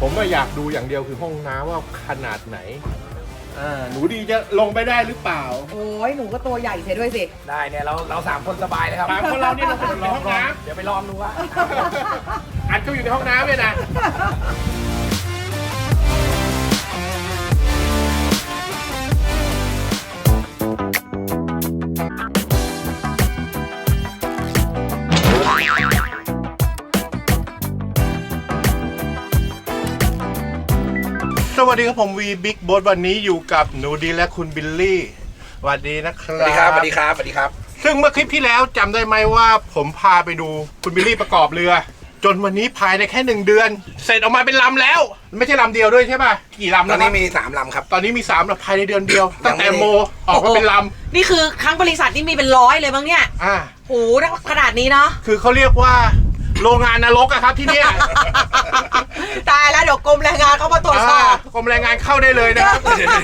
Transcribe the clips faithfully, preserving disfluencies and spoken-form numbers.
ผมอยากดูอย่างเดียวคือห้องน้ำว่าขนาดไหนอ่าหนูดีจะลงไปได้หรือเปล่าโอ้ยหนูก็ตัวใหญ่เสียด้วยสิได้เนี่ยเราเราสามคนสบายเลยครับสามคนเราเนี่ยเราอยู่ในห้องน้ำเดี๋ยวไปลองดูว่าอัดก็อยู่ในห้องน้ำเลยนะสวัสดีครับผมวีบิ๊กโบ๊ทวันนี้อยู่กับหนูดีและคุณบิลลี่สวัสดีนะครับสวัสดีครับสวัสดีครับสวัสดีครับซึ่งเมื่อคลิปที่แล้วจำได้ไหมว่าผมพาไปดูคุณบิลลี่ประกอบเรือจนวันนี้ภายในแค่หนึ่งเดือนเสร็จออกมาเป็นลำแล้วไม่ใช่ลำเดียวด้วยใช่ป่ะกี่ลำตอนนี้มีสามลำครับตอนนี้มีสามลำภายในเดือนเดียวตั้งแต่โมออกมาเป็นลำนี่คือทั้งบริษัทนี่มีเป็นร้อยเลยบ้างเนี่ยอ่าโหขนาดนี้เนาะคือเขาเรียกว่าโรงงานนรกอะครับที่เนี่ยตายแล้วเดี๋ยวกรมแรงงานเขามาตรวจสอบกรมแรงงานเข้าได้เลยนะครับ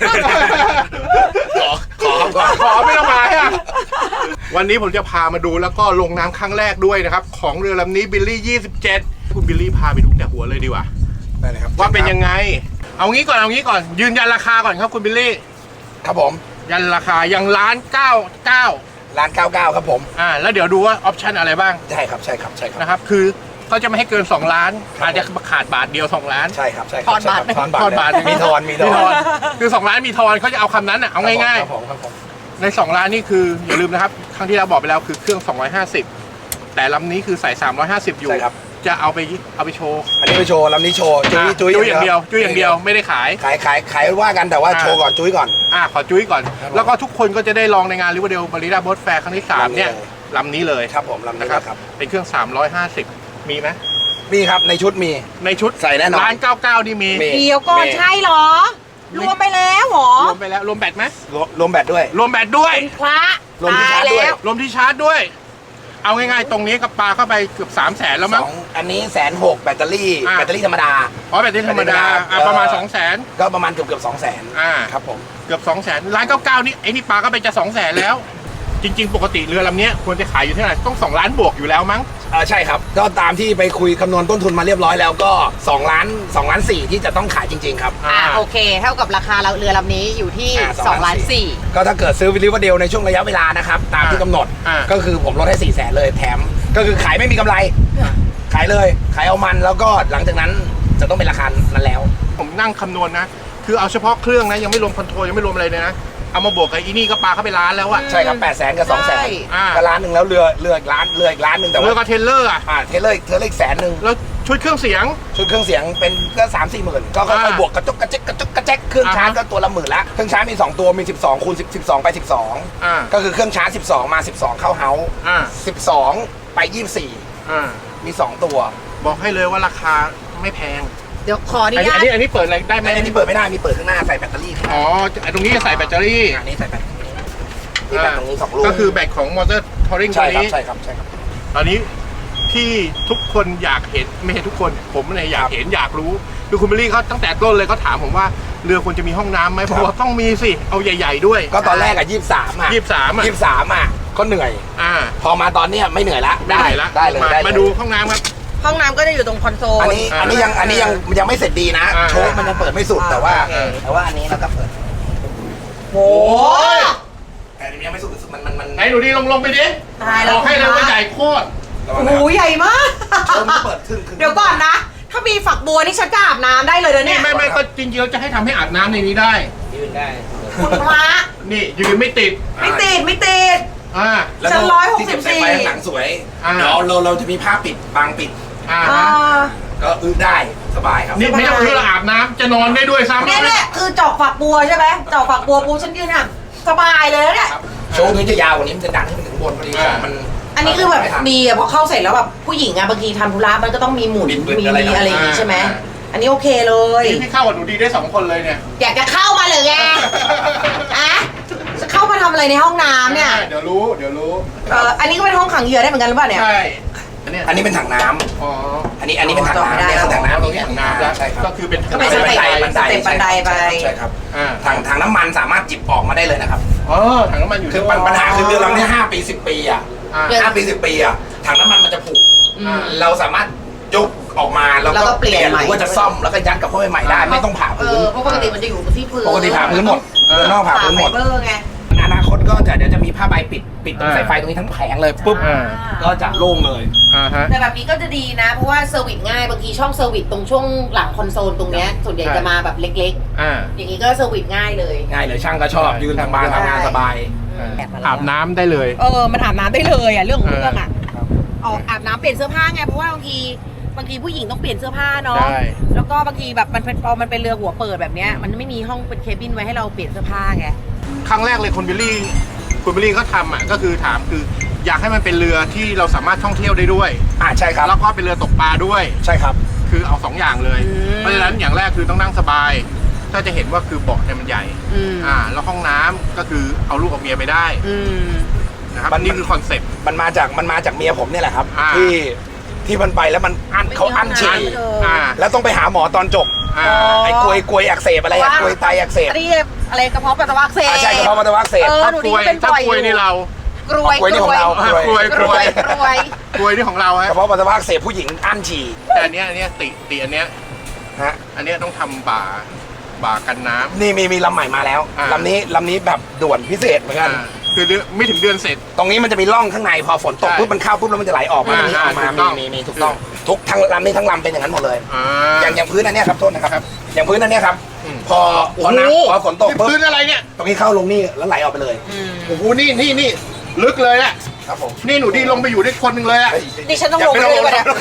ขอขอขอขอไม่ต้องมาอะวันนี้ผมจะพามาดูแล้วก็ลงน้ำครั้งแรกด้วยนะครับของเรือลำนี้บิลลี่ยี่สิบเจ็ดคุณบิลลี่พาไปดูแต่หัวเลยดีกว่าได้เลยครับว่าเป็นยังไงเอางี้ก่อนเอางี้ก่อนยืนยันราคาก่อนครับคุณบิลลี่ครับผมยันราคายังล้านเก้าเก้าล้านเก้าเก้าครับผมอ่าแล้วเดี๋ยวดูว่าออปชั่นอะไรบ้างใช่ครับใช่ครับใช่ครับนะครับคือเขาจะไม่ให้เกินสองล้านอาจจะขาดบาทเดียวสองล้านใช่ครับใช่ทอนบาททอนบาททอนบาทมีทอนมีทอนคือสองล้านมีทอนเขาจะเอาคำนั้นอ่ะเอาง่ายๆในสองล้านนี่คืออย่าลืมนะครับครั้งที่เราบอกไปแล้วคือเครื่องสองร้อยห้าสิบแต่ลำนี้คือใส่สามร้อยห้าสิบอยู่จะเอาไปเอาไปโชว์อันนี้ไปโชว์ลำนี้โชว์จุ้ยจุ้ยอย่างเดียวจุ้ยอย่างเดียวไม่ได้ขายขายขายขายว่ากันแต่ว่าโชว์ก่อนจุ้ยก่อนอ่าขอจุ้ยก่อนแล้วก็ทุกคนก็จะได้ลองในงานริเวอร์เดลมาริดาโบ๊ทแฟร์ครั้งที่สามเนี่ยลำนี้เลยครับผมลำนี้ครับเป็นเครื่องสามร้อยห้าสิบมีไหมมีครับในชุดมีในชุดใส่แน่นอนร้านเก้าเก้านี่มีเดียวก่อนใช่หรอรวมไปแล้วหรอรวมไปแล้วรวมแบตไหมรวมแบตด้วยรวมแบตด้วยพระรวมที่ชาร์จด้วยรวมที่ชาร์จด้วยเอาง่ายๆตรงนี้กับปลาเข้าไปเกือบสามแสนแล้วมั้งอันนี้แสนหกแบตเตอรี่แบตเตอรี่ธรรมดาอ๋อแบตเตอรี่ธรรมดาประมาณสองแสนก็ประมาณเกือบเกือบสองแสนอ่าครับผมเกือบสองแสนร้านเก้าเก้านี่ไอ้นี่ปลาก็ไปจะสองแสนแล้วจริงๆปกติเรือลำนี้ควรจะขายอยู่ที่ไหนต้องสองล้านบวกอยู่แล้วมั้งอ่าใช่ครับก็ตามที่ไปคุยคำนวณต้นทุนมาเรียบร้อยแล้วก็สองล้านสองล้านสี่ที่จะต้องขายจริงๆครับอ่าโอเคเท่ากับราคาเรือลำนี้อยู่ที่สองล้านสี่ก็ถ้าเกิดซื้อวิลิวเดลในช่วงระยะเวลานะครับตามที่กำหนดก็คือผมลดให้สี่แสนเลยแถมก็คือขายไม่มีกำไรขายเลยขายเอามันแล้วก็หลังจากนั้นจะต้องเป็นราคานั้นแล้วผมนั่งคำนวณนะคือเอาเฉพาะเครื่องนะยังไม่รวมคอนโทรลยังไม่รวมอะไรเลยนะเอามาบวกกับอีนี่ก็ปลาเข้าไปล้านแล้วอะใช่ครับแปดแสนกับสองแสนก็ล้านหนึ่งแล้วเรือเรืออีกล้านเรืออีกล้านหนึ่งแต่ว่าเรือกับเทเลอร์อะอ่าเทเลอร์เทเลอร์อีกแสนหนึ่งแล้วชุดเครื่องเสียงชุดเครื่องเสียงเป็นก็สามสี่หมื่นก็ค่อยๆบวกกระจุกกระจิกกระจุกกระแจ๊กเครื่องชาร์จก็ตัวละหมื่นละเครื่องชาร์จมีสองตัวมีสิบสองคูณสิบสองไปสิบสองก็คือเครื่องชาร์จสิบสองมาสิบสองเข้าเฮาส์สิบสองไปยี่สิบสี่มีสองตัวบอกให้เลยว่าราคาไม่แพงเดี๋ยวขออนุญาตอันนี้อันนี้เปิดอะไรได้ไหมอันนี้เปิดไม่ได้มีเปิดข้างหน้าใส่แบตเตอรี่อ๋อตรงนี้จะใส่แบตเตอรี่อันนี้ใส่แบตนี่แบตตรงนี้สองลูกก็คือแบตของมอเตอร์ทอริงตัวนี้ใช่ครับใช่ครับตอนนี้ที่ทุกคนอยากเห็นไม่ใช่ทุกคนผมเนี่ยอยากเห็นอยากรู้คือคุณบิลลี่เขาตั้งแต่ต้นเลยเขาถามผมว่าเรือควรจะมีห้องน้ำไหมผมว่าต้องมีสิเอาใหญ่ๆด้วยก็ตอนแรกอะยี่สิบสามอะยี่สิบสามอะยี่สิบสามอะก็เหนื่อยอ่าพอมาตอนนี้ไม่เหนื่อยละได้ละได้เลยมาดูห้องน้ำครับห้องน้ำก็จะอยู่ตรงคอนโซลอันนี้อันนี้ยังอันนี้ยังยังไม่เสร็จดีนะโชว์มันยังเปิดไม่สุดแต่ว่าแต่ว่าอันนี้เราก็เปิดโอ้แต่อันนี้ยังไม่สุดมันมันมันไหนหนูดีลงลงไปดิตายแล้วให้เลยว่าใหญ่โคตรโอ้โหใหญ่มากโชว์มันเปิดขึ้นเดี๋ยวก่อนนะถ้ามีฝักบัวนี่ฉันจะอาบน้ำได้เลยนะเนี่ยไม่ไม่ก็จริงๆเราจะให้ทำให้อาบน้ำในนี้ได้ยืนได้คุณพระนี่ยืนไม่ติดไม่ติดไม่ติดอ่าชั้นร้อยหกสิบสี่หนังสวยเดี๋ยวเราเราจะมีผ้าปิดบางปิดอ่าก็อึได้สบายครับนี่ไม่ต้องอึเราอาบน้ำจะนอนได้ด้วยซ้ำนี่แหละคือจอกฝักบัวใช่ไหมจอกฝักบัวปูฉันยืนอ่ะสบายเลยเนี่ยโชว์นี้จะยาวกว่านี้มันจะดันขึ้นถึงบนพอดีมันอันนี้คือแบบดีอ่ะพอเข้าเสร็จแล้วแบบผู้หญิงอ่ะบางทีทำธุระมันก็ต้องมีหมุนมีอะไรอย่างงี้ใช่ไหมอันนี้โอเคเลยพี่เข้ากับหนูดีได้สองคนเลยเนี่ยอยากจะเข้ามาเลยไงอะจะเข้ามาทำอะไรในห้องน้ำเนี่ยเดี๋ยวรู้เดี๋ยวรู้เอออันนี้ก็เป็นห้องขังเหยื่อได้เหมือนกันหรือเปล่าเนี่ยใช่อันนี้เป็นถังน้ำอ๋ออันนี้อันนี้เป็นถังน้ำเนี่ยถังน้ำตรงนี้ถังน้ำแล้วก็คือเป็นก็เป็นสเต็ปสเต็ปบันไดไปใช่ครับถังถังน้ำมันสามารถจิบออกมาได้เลยนะครับอ๋อถังน้ำมันอยู่คือปัญหาคือเรือลำนี้ห้าปีสิบปีอ่ะห้าปีสิบปีอ่ะถังน้ำมันมันจะผุเราสามารถยกออกมาแล้วแล้วก็ก็เปลี่ยนเปลี่ยนใหม่หรือว่าจะซ่อมแล้วก็ยัดกลับเข้าไปใหม่ได้ไม่ต้องผ่าเอพื้นอเพราะปกติมันจะอยู่ที่พื้นปกติผ่าพื้นหมดเรือนอกผ่าพื้นหมดไฟเบอร์ไงอนาคตก็จะเดี๋ยวจะมีผ้าใบปิดปิดตรงสายไฟตรงนี้ทั้งแผงเลยปุ๊บอ่าก็จะโล่งเลยอ่าฮะแต่แบบนี้ก็จะดีนะ เพราะว่าเซอร์วิสง่ายบางทีช่องเซอร์วิสตรงช่วงหลังคอนโซลตรงเนี้ยส่วนใหญ่จะมาแบบเล็กอ่าๆ อย่างนี้ก็เซอร์วิสง่ายเลยง่ายเลยช่างก็ชอบยืนทางบ้านทำงานสบายอาบน้ำได้เลยเออมันอาบน้ำได้เลยอ่ะเรื่องของเรื่องอ่ะครับออกอาบน้ำเปลี่ยนเสื้อผ้าไงเพราะว่าบางทีบางทีผู้หญิงต้องเปลี่ยนเสื้อผ้าเนาะใช่แล้วก็บางทีแบบมันเป็นพอมันเป็นเรือหัวเปิดแบบเนี้ยมันไม่มีห้องเป็นเคบินไว้ให้เราเปลี่ยนเสื้อผ้าไงครั้งแรกเลยคุณบิลลี่คุณบิลลี่เขาทำอ่ะก็คือถามคืออยากให้มันเป็นเรือที่เราสามารถท่องเที่ยวได้ด้วยอ่าใช่ครับแล้วก็เป็นเรือตกปลาด้วยใช่ครับคือเอาสองอย่างเลยอืมเพราะฉะนั้นอย่างแรกคือต้องนั่งสบาย ถ้าจะเห็นว่าคือเบาะเนี่ยมันใหญ่อืมอ่า แล้วห้องน้ำก็คือเอาลูกกับเมียไปได้อืมนะครับมันนี่คือคอนเซ็ปต์มันมาจากมันมาจากเมียผมเนี่ยแหละครับอ่าที่ที่มันไปแล้วมันอั้นเขาอั้นฉี่ไม่มีห้องน้ำเลยอ่าแล้วต้องไปหาหมอตอนจบอ่าไอ้กลวยกลวยอักเสบอะไรอะกลวยไตอักเสบอันนี้อะไรกระเพาะปัสสาวะอักเสบอ่าใช่กระเพาะปัสสาวะอักเสบเออถ้าหนูกลนี่วยเป็นถ้าบ่อยกลวยนี่เรากรวยกลวยนี่ของเราอ่ากลวยกรวยกรวยกลวยนี่ของเรากฮะระเพาะปัสสาวะอักเสบผู้หญิงอั้นฉี่แต่อันเนี้ยอันเนี้ยติติอันเนี้ยฮะอันเนี้ยต้องทำบ่าบ่ากันน้ำนี่มีมีลำใหม่มาแล้วอ่าลำนี้ลำนี้แบบด่วนพิเศษเหมือนกันอ่าคือเดือนไม่ถึงเดือนเสร็จตรงนี้มันจะมีร่องข้างในพอฝนตกใช่ปุ๊บมันเข้าปุ๊บแล้วมันจะไหลออกมาอ่ามีออกมาถูกต้องมีมีมีถูกต้องทุกทั้งลำนี้ทั้งลำเป็นอย่างนั้นหมดเลยอ่าอย่างอย่างพื้นอันเนี้ยครับโทษนะครับครับอย่างพื้นอันเนี้ยครับอืมพอพอน้ำพอฝนตกนี่ปุ๊บพื้นอะไรเนี่ยตรงนี้เข้าลงนี่แล้วไหลออกไปเลยอืมโอ้โหนี่นี่นี่ลึกเลยแหละครับผมนี่หนูดีลงไปอยู่ได้คนหนึ่งเลยอะเฮ้ยดิฉันต้องย่าลงไปไปเลยนะวะเนี่ย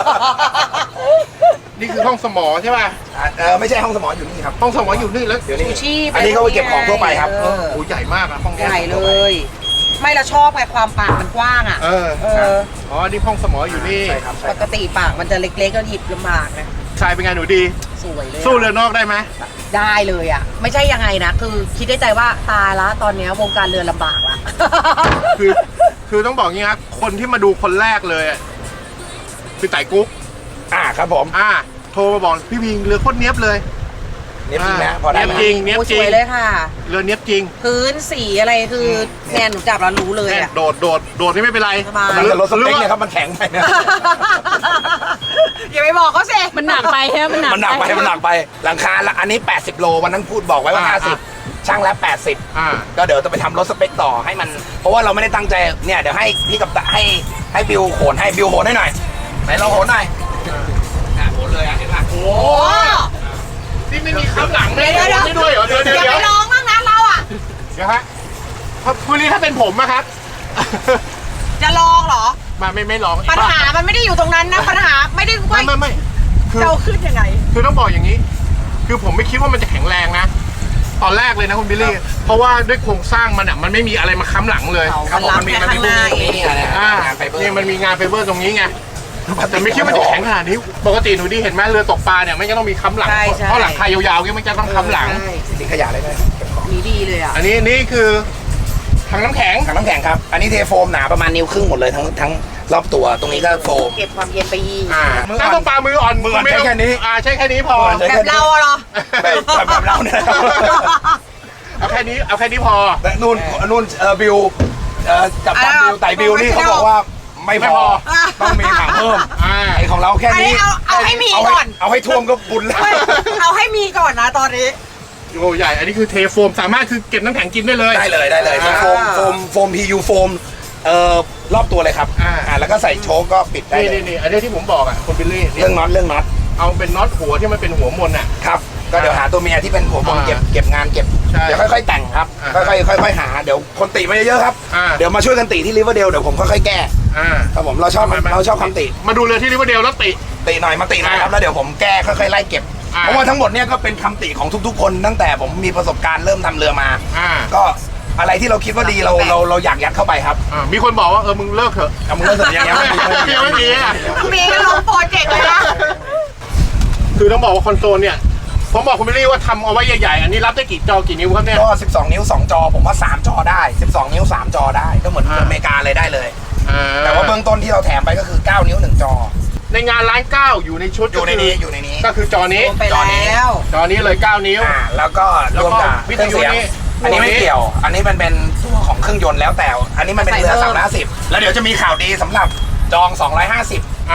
นี่คือห้องสมอใช่ป่ะอ่าเออไม่ใช่ห้องสมองอยู่นี่ครับห้องสมออยู่นี่แล้วเดี๋ยวนี้ชูชีพอันนี้เขาไปเก็บของทั่วไปครับเออโอ้โหใหญ่มากอะห้องใหเนี้ยญ่เลย ไม่เราชอบไงความปากมันกว้างอ่ะเออเอออ๋อนี่ห้องสมออยู่นี่ใช่ครับใช่ปคกรับติปากมันจะเล็กๆก็หยิบลำบากนะชายเป็นไงหนูดีสวยเลยอะสู้เรือนอกได้ไหมได้เลยอ่ะ ไม่ใช่ยังไงนะ คือคิดได้ใจว่าตายละตอนเนี้ยวงการเรือลำบากละคือคือต้องบอกงี้ครับคนที่มาดูคนแรกเลยอะคือไต่กุ๊กอ่าครับผมอ่าโทรมาบอกพี่พิงเรือโคตรเนี้ยบเลยเนี่ยจริงนะอ่าพอได้ไหมเนี๊ยบจริง เนี๊ยบโอ้จริสงวยเลยค่ะเรือเนี้ยบจริงพื้นสีอะไรคือแนนหนูจับแล้วรู้เลยแน่อ่ะโดดโดดโดดที่ไม่เป็นไรสบายกำลังจะลดสเปคหรือว่าเนี่ยครับมันแข็งไปเนี่ยอย่าไปบอกเขาสิมันหนักไปใช่ไหมมันหนักมันหนักไปมันหนักไปหลังคาละอันนี้แปดสิบโลวันนั้นพูดบอกไว้ว่าอ่าห้าสิบช่างแล้วแปดสิบอ่าก็เดี๋ยวจะไปทำรถสเปคต่อให้มัน เพราะว่าเราไม่ได้ตั้งใจเนี่ยเดี๋ยวให้พี่กับตาให้ให้บิวโหนให้บิวโหนให้หน่อยไหนลองโหนหน่อยอ่ะโหนเลยอ่ะเห็นป่ะโอ้โอ้นี่ไม่มีคำหลังเลยเดี๋ยวเดี๋ยวไม่ด้วยเหรอเดี๋ยวเดี๋ยวอย่าเดี๋ยวไปร้องบ้างนะเราอ่ะเดี๋ยวฮะคุณนี่ถ้าเป็นผมอะครับจะลองเหรอมาไม่ไม่ร้องปัญหามันไม่ได้อยู่ตรงนั้นนะ ปัญหาไม่ได้ไม่ว่าไม่ไม่คือจะเอาขึ้นยังไงคือต้องบอกอย่างนี้ คือผมไม่คิดว่ามันจะแข็งแรงนะ ตอนแรกเลยนะคุณบิลลี่ เพราะว่าด้วยโครงสร้างมันอ่ะมันไม่มีอะไรมาค้ำหลังเลยเอาครับผมมันมีมันมีข้างหน้าพวกนี้นี่อะไรอ่างานไฟเบอร์นี่มันมีงานไฟเบอร์ตรงนี้ไง แต่ไม่คิดว่าจะแข็งขนาดนี้ ปกติหนูดีเห็นไหมเรือตกปลาเนี่ยไม่จะต้องมีค้ำหลังใช่ใช่เพราะหลังคายาวๆเนี่ยมันจะต้องค้ำหลังใช่ทิ้งขยะเลยนะเก็บของนี่ดีเลยอ่ะอันนี้นี่คือถังน้ำแข็งถังน้ำแข็งครับอันนี้เทโฟมหนาประมาณนิ้วครึ่งหมดเลยทั้งทั้งรอบตัวตรงนี้ก็โฟมเก็บความเย็นไปยีอ่ามืออ่อนน้ำตกปลามืออ่อนมืออ่อนไต้งใช้แค่นี้อ่าใช้แค่นี้พอมืออ่อนใช้แบบเราอะเหรอแบบแบบเราเนี่ยนะครับเอาแค่นี้เอาแค่นี้พอแต่นู่นนู่นเออบิวเอ่อกับตันบิวไต่บิวนี่เขาบอกว่าไม่ไม่พพออต้องมีถังเพิ่มอ่าไอของเราแค่อันนี้นี้เอาเอาให้มีเอาก่อนเอาให้ท่วมก็บุญแล้วไม่เอาให้มีก่อนนะตอนนี้โอ้ใหญ่ อันนี้คือเทโฟมสามารถคือเก็บน้ำแข็งกินได้เลยได้เลยได้เลยอ่าโฟมโฟมโฟมพียูโฟมเอ่อรอบตัวเลยครับอ่าอ่าแล้วก็ใส่โชคก็ปิดได้นี่เลนี่ยนี่อันนี้ที่ผมบอกอ่ะคุณบิลลี่เรื่องน็อตเรื่องน็อตเอาเป็นน็อตหัวที่มันเป็นหัวมนอ่ะครับก็เดี๋ยวหาตัวเมียที่เป็นหัวบอลอ่าเก็บเก็บงานเก็บใช่เดี๋ยวค่อยๆแต่งครับอ่าค่อยๆค่อยๆหาเดี๋ยวคนติมาเยอะๆครับอ่าเดี๋ยวมาช่วยกันติที่ริเวอร์เดลเดี๋ยวผมค่อยๆแก้อ่าครับผมเราชอบเราชอบคำติมาดูเรือที่ริเวอร์เดลแล้วติติหน่อยมาติหน่อยครับอ่าแล้วเดี๋ยวผมแก้ค่อยๆไล่เก็บอ่าเพราะว่าทั้งหมดเนี่ยก็เป็นคำติของทุกๆ คนตั้งแต่ผมมีประสบการณ์เริ่มทำเรือมาอ่าก็อะไรที่เราคิดว่าดีเราเราเราอยากยัดเข้าไปครับอ่ามีคนบอกว่าเออมึงเลิกเถอะเอามึงเลิกเถอะยังยังไม่มียังไม่มีอ่ะมีก็ลงโปรเจกต์เลยนะคือต้องบอกว่าคอนโซลเนี่ยผมบอกคุณบิลลี่ว่าทำเอาไว้ใหญ่ๆอันนี้รับได้กี่จอกี่นิ้วครับเนี่ยก็สิบสองนิ้วสองจอผมว่าสามจอได้สิบสองนิ้วสามจอได้ก็เหมือนอ่าอเมริกาเลยได้เลยอ่แต่ว่าเบื้องต้นที่เราแถมไปก็คือเก้านิ้วหนึ่งจอในงานร้านเก้าอยู่ในชุดอยู่ในนี้อยู่ในนี้ก็คือจอนี้ลงไปแล้วจอนี้เลยเก้านิ้วอ่าแล้วก็รวมกับวิเคทรื่องยุเสียงนี่อันนี้ไม่เกี่ยว อันนี้มันเป็นตัวของเครื่องยนต์แล้วแต่ อันนี้มันเป็นเรือใส่สามเพิ่มร้อยห้าสิบแล้วเดี๋ยวจะมีข่าวดีสำหรับจองสองร้อยห้าสิบอ่า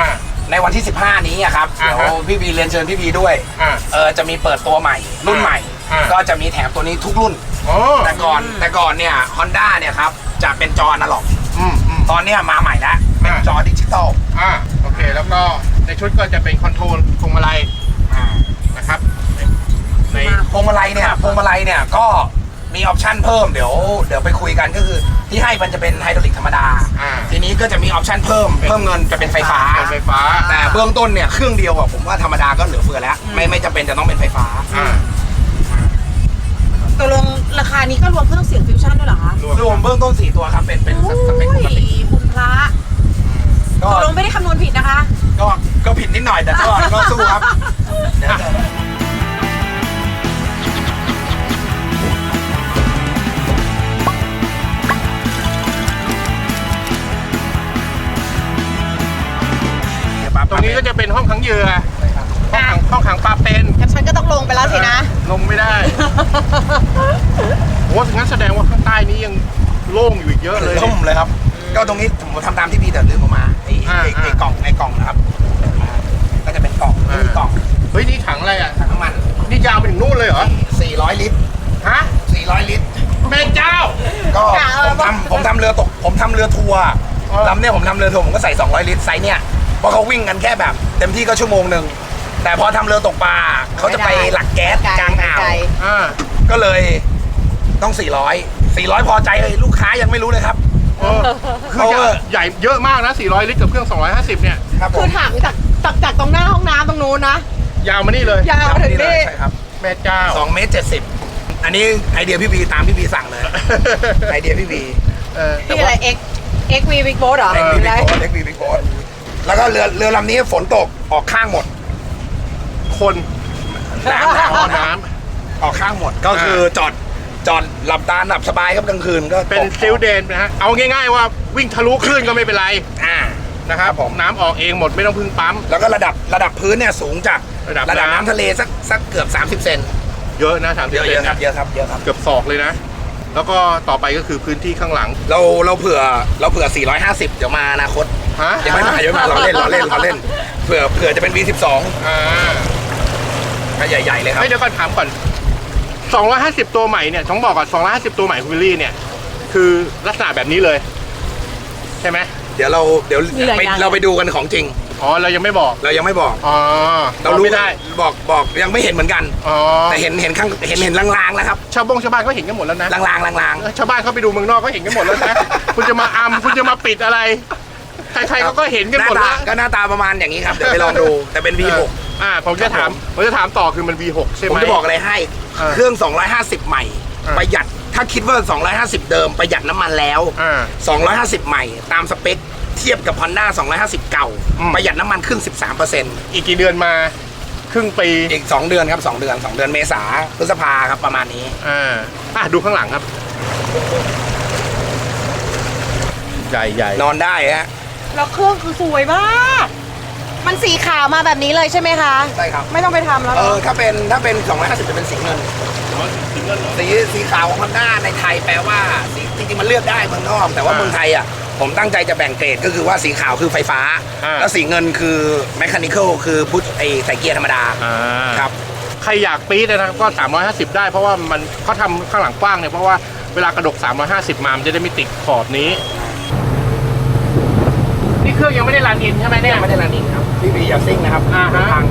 ในวันที่สิบห้านี้อะครับอ่าเดี๋ยฮะวพี่บีเรียนเชิญพี่บีด้วยอ่าเออจะมีเปิดตัวใหม่รุ่นใหม่อ่าก็จะมีแถมตัวนี้ทุกรุ่นโอ้แต่ก่อนแต่ก่อนเนี่ย Honda เนี่ยครับจะเป็นจออนาล็อกอืมอืมตอนเนี้ยมาใหม่แล้วเป็นอ่าจอดิจิตอลอ่าโอเค แล้วก็ในชุดก็จะเป็นคอนโทรลพวงมาลัยอ่านะครับในพวงมาลัยเนี่ยพวงมาลัยเนี่ยก็มีออปชั่นเพิ่มเดี๋ยวเดี๋ยวไปคุยกันก็คือที่ให้มันจะเป็นไฮดรอลิกธรรมดาอ่าทีนี้ก็จะมีออปชั่นเพิ่มเพิ่มเงินจะเป็นไฟฟ้าเป็นไฟฟ้าแต่เบื้องต้นเนี่ยเครื่องเดียวอะผมว่าธรรมดาก็เหลือเฟือแล้ว ไม่ไม่จำเป็นจะต้องเป็นไฟฟ้าอ่าตกลงราคานี้ก็รวมเครื่องเสียงฟิวชั่นด้วยเหรอคะรวมเบื้องต้นสี่ตัวครับเป็นเป็นสสเปคปกติคุณพระก็ตกลงไม่ได้คำนวณผิดนะคะก็ก็ผิดนิดหน่อยแต่ก็ก็สู้ครับเดี๋ยวจะตรงนี้ก็จะเป็นห้องขังเหยื่อห้องขังห้องขังปลาเป็นงั้นฉันก็ต้องลงไปแล้วสินะลงไม่ได้โอ้งั้นแสดงว่าข้างใต้นี้ยังโล่งอยู่อีกเยอะเลยล่มเลยครับ ก็ตรงนี้ผมทำตามที่พี่แต่ลืมออกมาไอ้อ่าไอ้ไอ้อ่ากล่องไอ้กล่องนะครับอ่าก็จะเป็นกล่องอ่ากล่องเฮ้ยนี่ถังอะไรอ่ะถังน้ำมันนี่ยาวไปถึงนู่นเลยเหรอสี่ร้อยลิตรฮะสี่ร้อยลิตรแม่เจ้าก็กะเอาผมทำผมทำเรือตกผมทำเรือทัวร์เออลำเนี่ยผมทำเรือทัวร์ผมก็ใส่สองร้อยลิตรไซส์เนี่ยเพราะเขาวิ่งกันแค่แบบ เต็มที่ก็ชั่วโมงหนึ่งแต่พอทำเรือตกปลาเขาจะไปหลักแก๊สกลางอ่าวอ่าก็เลยต้องสี่ร้อย สี่ร้อยพอใจเลยลูกค้ายังไม่รู้เลยครับเออคือใหญ่ใหญ่เยอะมากนะสี่ร้อยลิตรกับเครื่องสองร้อยห้าสิบเนี่ยครับผคือมถามจากจากจากตรงหน้าห้องน้ำตรงนู้นนะยาวมานี่เลยยาวมาถึงเลยนี่ใช่ครับแม่เจ้าสองเมตรเจ็ดสิบอันนี้ไอเดียพี่บีตามพี่บีสั่งเลย ไอเดียพี่บีเออพี่อะไร X X V Big Boat เหรอเล็กบีอะไรบิ๊กโบ๊ทเล็กบีบิ๊กโบ๊ทแล้วก็เรือเรือลำนี้ฝนตกออกข้างหมดคนน้ำอ๋อน้ำน้ออกข้างหมด ก็คือจอดจอดหลับตาหลับสบายครับกลางคืนก็ำเป็นตกซิลเดนนะฮะเอาง่ายๆว่าวิ่งทะลุคลื่นก็ไม่เป็นไรอ่านะครับครับผมน้ำออกเองหมดไม่ต้องพึ่งปั๊มแล้วก็ระดับระดับพื้นเนี่ยสูงจากระดับระดับน้ำน้ำทะเลสักสักเกือบสามสิบเซนเยอะนะสามสิเยบอะเซเยนอะครับนะเยอะครับเยอะครับเกือบศอกเลยนะ แล้วก็ต่อไปก็คือพื้นที่ข้างหลังเราเราเผื่อเราเผื่อสี่ร้อยห้าสิบเดี๋ยวมาอนาคตฮะยังไม่มายังไม่มาเราเล่นเราเล่นเราเล่นเผื่อเผื่อจะเป็น วี สิบสองอ่าก็ใหญ่ๆเลยครับไม่เดี๋ยวก่อนถามก่อนสองร้อยห้าสิบตัวใหม่เนี่ยต้องบอกก่อนสองร้อยห้าสิบตัวใหม่คุณวิลลี่เนี่ยคือลักษณะแบบนี้เลย ใช่ไหมเดี๋ยวเราเดี๋ยวมีหลายไปอย่างเราไปดูกันของจริงอ๋อเรายังไม่บอกเรายังไม่บอกอ๋อเรารู้ไม่ได้บอกบอกยังไม่เห็นเหมือนกันอ๋อแต่เห็นเห็นข้างเห็นเห็นลางๆแล้วครับชาวบงชาวบ้านเขาเห็นกันหมดแล้วนะลางๆลางเออชาวบ้านเขาไปดูเมืองนอกเขาเห็นกันหมดแล้วนะ คุณจะมาอำคุณจะมาปิดอะไร ใครๆเขาก็เห็นๆกันหน้าหมดตาแล้วก็หน้าตาประมาณอย่างนี้ครับเดี๋ยวไปลองดูแต่เป็น วี หกอ่าผมจะถามผมจะถามต่อคือมัน วี หก ใช่ไหผม มจะบอกอะไรให้เออเครื่อง สองร้อยห้าสิบ ใหม่เออประหยัดถ้าคิดว่า สองร้อยห้าสิบ เดิมประหยัดน้ำมันแล้วอ่าสองร้อยห้าสิบ ใหม่ตามสเปคเทียบกับ Honda สองร้อยห้าสิบ เก่าอืมประหยัดน้ำมันขึ้น สิบสามเปอร์เซ็นต์อีกกี่เดือนมาครึ่งปีอีก สอง เดือนครับ สอง เดือน สอง เดือนเมษาพฤษภาครับประมาณนี้อ่าอ่ะดูข้างหลังครับ ใหญ่ใหญ่นอนได้ฮะแล้วเครื่องคือสวยมาก มันสีขาวมาแบบนี้เลยใช่ไหมคะใช่ครับไม่ต้องไปทำแล้วเอเนออะถ้าเป็นถ้าเป็น สองร้อยห้าสิบ จะเป็นสีเงิน สีสีขาวของ Honda ในไทยแปลว่าสีจริงๆมันเลือกได้เมืองนอก แต่ว่าอ่าเมืองไทยอ่ะผมตั้งใจจะแบ่งเกรดก็คือว่าสีขาวคือไฟฟ้าอ่าแล้วสีเงินคือแมคานิคอลคือพุทไอใส่เกียร์ธรรมดาอ่าครับใครอยากปี๊ดนะครับก็สามร้อยห้าสิบได้เพราะว่ามันเขาทำข้างหลังกว้างเนี่ยเพราะว่าเวลากระดกสามร้อยห้าสิบมามันจะได้ไม่ติดขอบนี้ นี่เครื่องยังไม่ได้รันอินใช่ไหมเนี่ยไม่ได้รันนิ่งครับพี่บีอย่าซิ่งนะครับอ่าฮะพัง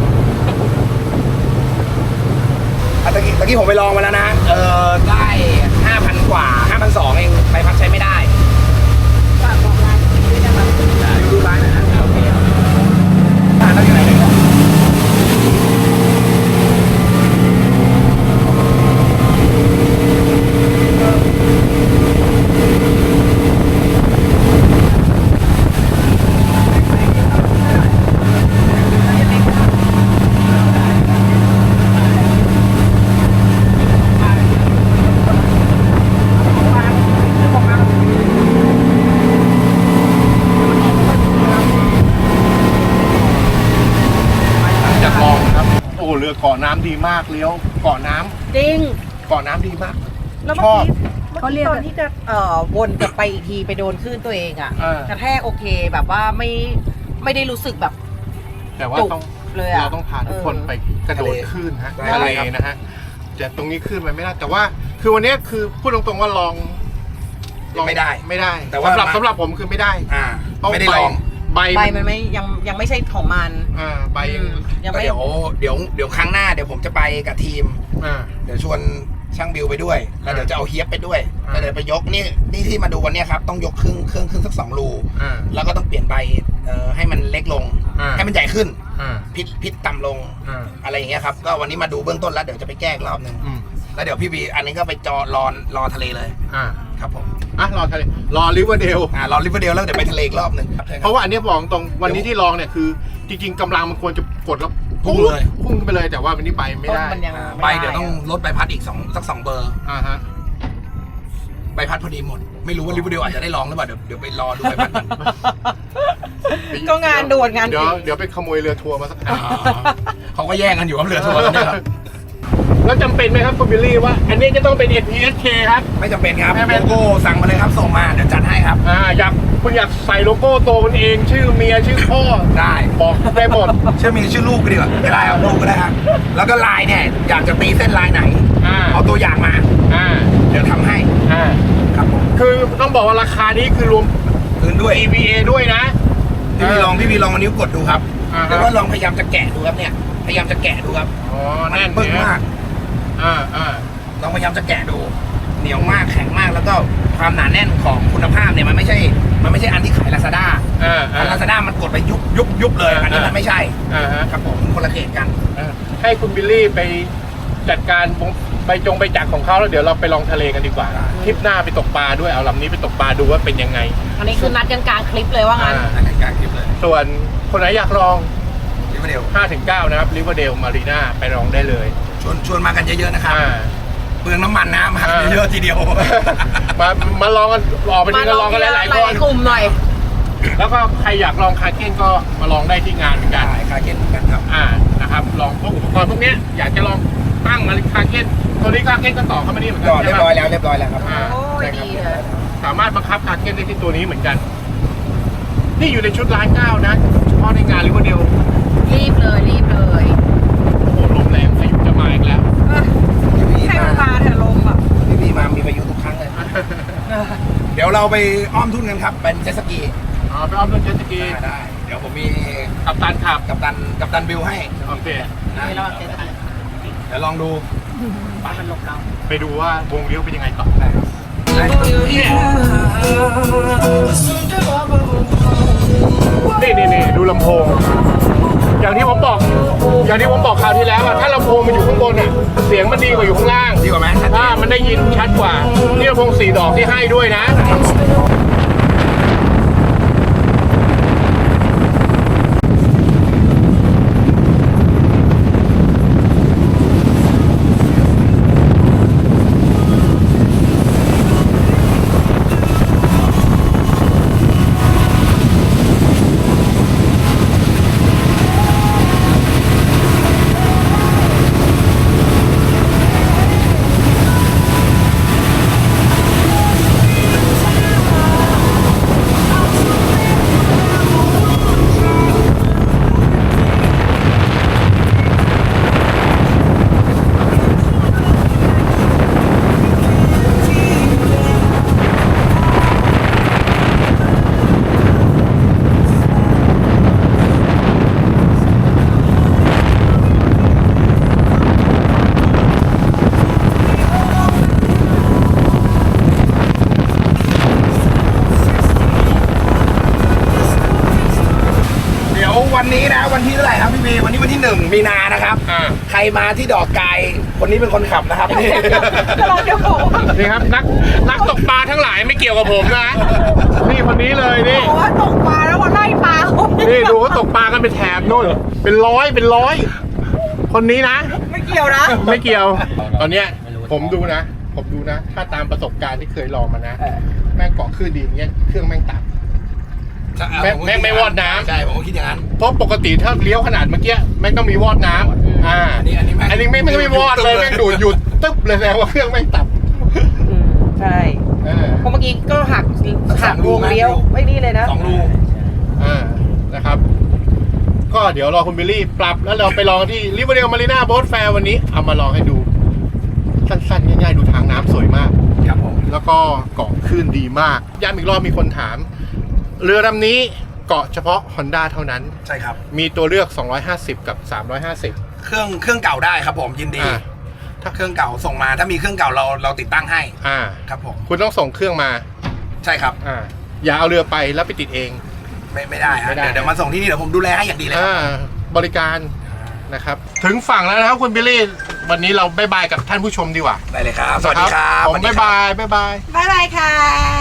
อ่ะตะกี้ตะกี้ผมไปลองมาแล้วนะ เออได้ ห้าพัน กว่า ห้าพันสองร้อย เองใบพัดใช้ไม่ได้ฝากบอกร้านด้วยนะครับดูร้านนะโอเคครับร้านเราอยู่ไหนเนี่ยจากมองครับโอ้เรือเกาะน้ำดีมากเลี้ยวเกาะน้ำจริงเกาะน้ำดีมากแล้วชเมื่ออบ กี้เมื่อกี้ตอนที่จะเอ่อวนกลับไปอีกทีไปโดนคลื่นตัวเองอะเออกระแทกโอเคแบบว่าไม่ไม่ได้รู้สึกแบบแต่ว่าจุกต้องเลยอะเราต้องพาทุกคนเออไปกระโดดขึ้นฮะได้ทะเลครับนะฮะจะตรงนี้ขึ้นไปไม่ได้ แต่ว่าคือวันนี้คือพูดตรงๆว่าลองลองไม่ได้ไม่ได้แต่ว่าสำหรับมาสำหรับผมคือไม่ได้อ่าเพราะไม่ได้ลองใบใบมัมัน นไม่ยังยังไม่ใช่ของมันอ่าใบยังยังก็ไม่เดี๋ยวเดี๋ยวเดี๋ยวครั้งหน้าเดี๋ยวผมจะไปกับทีมอ่าเดี๋ยวชวนช่างบิวไปด้วย แล้วเดี๋ยวจะเอาเฮียบไปด้วยอ่าแล้วเดี๋ยวไปยกนี่นี่ที่มาดูวันเนี้ยครับต้องยกครึ่งครึ่งครึ่งสักสองรูอ่าแล้วก็ต้องเปลี่ยนใบเอ่อให้มันเล็กลงอ่าให้มันใหญ่ขึ้นอ่าพิษพิษต่ำลงอ่าอะไรอย่างเงี้ยครับก็วันนี้มาดูเบื้องต้นแล้วเดี๋ยวจะไปแก้อีกรอบหนึงอืมแล้วเดี๋ยวพี่บีอันนี้ก็ไปจอรอรอทะเลเลยอ่าครับผมอ่ะรอทะเลรอริเวอร์เดลอ่ารอริเวอร์เดลแล้วเดี๋ยวไปทะเลอีกรอบหนึ่งครับใช่คเพรับราะว่าอันเนี้ยบอกตรงวันนี้ที่ลองเนี่ยคือจริงๆกำลังมันควรจะกดแล้วพุ่งเลยพุ่งขึ้นไปเลยแต่ว่าวันนี้ไปไม่ได้ต้นมันยังอ่าไม่ใบได้เดี๋ยวต้องลดใบพัดอีกสองสักสองเบอร์อ่าฮะใบพัดพอดีหมด ไม่รู้ว่าริเวอร์เดลอาจจะได้ลองหรือเปล่าเดี๋ยวเดี๋ยวไปรอดูใบพัดกันก็งานด่วนงานเดี๋ยวจริงเดี๋ยวไปขโมยเรือทัวร์มาสักอันเขาก็แย่งกันอยู่กับเรือทัวร์แล้วเนี่ยครับแล้วจำเป็นไหมครับคุณบิลลี่ว่า อันนี้จะต้องเป็น เอ็น พี เอส เค ครับไม่จำเป็นครับไม่เป็นโลโก้สั่งมาเลยครับส่งมาเดี๋ยวจัดให้ครับอ่าอยากคุณอยากใส่โลโก้ตัวคุณเอง ชื่อเมียชื่อพ่อได้บอกได้หมดชื่อมีชื่อลูกก็ดีกว่าไม่ได้เอาลูกก็ได้ครับแล้วก็ลายเนี่ยอยากจะตีเส้นลายไหนอ่าเอาตัวอย่างมาอ่าเดี๋ยวทำให้อ่าครับผมคือต้องบอกว่าราคานี้คือรวมคืนด้วยอี วี เอ ด้วยนะพี่บีลองพี่บีลองเอานิ้วกดดูครับอ่าฮะแล้วก็ลองพยายามจะแกะดูครับเนี่ยพยายามจะแกะดูครับอ๋อแน่นปึ้งเนี่ยมากอ่าอ่าลองพยายามจะแกะดู เหนียวมากแข็งมากแล้วก็ความหนาแน่นของคุณภาพเนี่ยมันไม่ใช่ มันไม่ใช่อันที่ขายลาซาด้าอ่าอัอ่านลาซาด้ามันกดไปยุบยุบยุบเลยอันนี้มันไม่ใช่อ่าฮะครับผมคนละเกรดกันอ่าให้คุณบิลลี่ไปจัดการใบจงใบจักรของเขาแล้วเดี๋ยวเราไปลองทะเลกันดีกว่าทริปหน้าไปตกปลาด้วยเอาลำนี้ไปตกปลาดูว่าเป็นยังไงอันนี้คือนัดกันกลางคลิปเลยว่างั้นอ่าอันนี้กลางคลิปเลยส่วนคนไหนอยากลองริเวอร์เดลห้าถึงเก้า นะครับริเวอร์เดลมารีนาไปลองได้เลยชวนชวนมากันเยอะๆนะครับอ่าเปลืองน้ำมันนะมาอ่าเยอะๆทีเดียวมามาลองกันออกไปทีก็ลองกันหลายๆคนกลุ่มหน่อยแล้วก็ใครอยากลองคาเก้นก็มาลองได้ที่งานเหมือนกันได้คาเก็ตเหมือนกันครับอ่านะครับลองพวกอุปกรณ์พวกเนี้ยอยากจะลองตั้งมาคาเก้นตัวนี้คาเก้นก็ต่อเข้ามานี่เหมือนกัก็เรียบร้อยใช่ไหมแล้วเรียบร้อยแล้วครับอ่าโอ้ยใช่ครับดีเลยสามารถบังคับคาเก้นได้ที่ตัวนี้เหมือนกัน นี่อยู่ในชุดร้านเก้านะเฉพาะในงานริเวอร์เดลรีบเลยรีบเลยโอ้โหลมแรงพายุจะมาอีกแล้วพี่บีให้มามันมาเถอะลมอ่ะพี่บีมามีประโยชน์ทุกครั้งเลย เดี๋ยวเราไปอ้อมทุ่นกันครับ เป็นเจ็ตสกีอ๋อไปอ้อมเรื่องเจ็ตสกีได้ได้ เดี๋ยวผมมีกัปตันขับกัปตันกัปตันบิลให้โอเคนะนี่เราเจ็ดสิบเดี๋ยวลองดูปามันหลบเราไปดูว่าวงเลี้ยวเป็นยังไงต่อได้นี่นี่นี่ดูลำโพง อย่างที่ผมบอก อย่างที่ผมบอกคราวที่แล้วอะถ้าลำโพงมันอยู่ข้างบนอะเสียงมันดีกว่าอยู่ข้างล่างดีกว่าไหมชัดเจถ้าน มันได้ยินชัดกว่า นี่ลำโพงสี่ดอกที่ให้ด้วยนะเดี๋ยววันนี้นะวันที่เท่าไหร่ครับพี่บีวันนี้วันที่หนึ่งมีนานะครับอ่าใครมาที่ดอกกายคนนี้เป็นคนขับนะครับนี่ก็ลองเดี๋ยวบอกว่านี่ครับนักนักตกปลาทั้งหลายไม่เกี่ยวกับผมนะ นี่คนนี้เลยนี่บอกว่าตกปลาแล้วมาไล่ปลาเขานี่ดูเขาตกปลากันเป็นแถบโน่นเป็นร้อยเป็นร้อย คนนี้นะไม่เกี่ยวนะไม่เกี่ยว ตอนเนี้ยผมดูนะ ผมดูนะ ถ้าตามประสบการณ์ที่เคยลองมานะ แม่งเกาะคลื่นดีอย่างเงี้ยเครื่องแม่งตับ แม่งแม่งไม่วอดน้ำใช่ผมก็คิดอย่างนั้นเพราะปกติถ้าเลี้ยวขนาดเมื่อกี้แม่งต้องมีวอดน้ำอ่าอันนี้อันนี้แม่งอันนี้ไม่ไม่ไม่วอดเลยแม่งดูดหยุดตึ๊บเลยแสดงว่าเครื่องแม่งตับอืมใช่เออเพราะเมื่อกี้ก็หักหักวงเลี้ยวไม่นี่เลยนะสองรูอ่านะครับกก็เดี๋ยวรอคุณบิลลี่ปรับแล้วเราไปลองที่ริเวอร์เดลมารีนาโบ๊ทแฟร์วันนี้เอามาลองให้ดูสั้นๆง่ายๆดูทางน้ำสวยมากครับผมแล้วก็เกาะคลื่นดีมากย้ำอีกรอบมีคนถาม เรือลำนี้เกาะเฉพาะ Honda เท่านั้นใช่ครับมีตัวเลือกสองร้อยห้าสิบกับสามร้อยห้าสิบเครื่องเครื่องเก่าได้ครับผมยินดีอ่าถ้าเครื่องเก่าส่งมาถ้ามีเครื่องเก่าเราเราติดตั้งให้อ่าครับผมคุณต้องส่งเครื่องมาใช่ครับอ่าอย่าเอาเรือไปแล้วไปติดเองไม่ไม่ได้ฮะไม่ได้เดี๋ยวเดี๋ยวมาส่งที่นี่เดี๋ยวผมดูแลให้อย่างดีเลยครับอ่าบริการนะครับถึงฝั่งแล้วนะครับคุณบิลลี่วันนี้เราบายบายกับท่านผู้ชมดีกว่าได้เลยครับสวัสดีครับผมสวัสดีบายครับบายบายบายบ๊ายบายค่ะ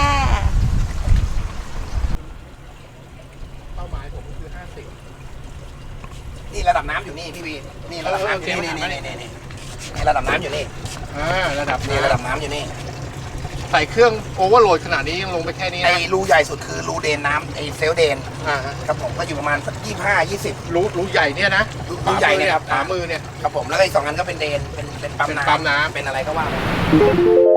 เป้าหมายผมคือห้าสิบนี่ระดับน้ำอยู่นี่พี่วีนี่ระดับน้ำอยู่นี่เออนี่โอเคนี่นี่นี่นี่ระดับน้ำอยู่นี่อ่าระดับนี่ระดับน้ำอยู่นี่ใส่เครื่องโอเวอร์โหลดขนาดนี้ยังลงไปแค่นี้ไอ้นะรูใหญ่สุดคือรูเดนน้ำไอ้เซลลเดนอ่าฮะครับผมก็อยู่ประมาณสักยี่ห้ายี่สิบรู้รู้ใหญ่เนี่ยนะรู้ใหญ่เนี่ยครับขวามือเนี่ยครับผมแล้วก็อีกสองอันก็เป็นเดนเป็นเป็นปั๊มเป็นน้ำปั๊มน้ำเป็นอะไรก็ว่าไป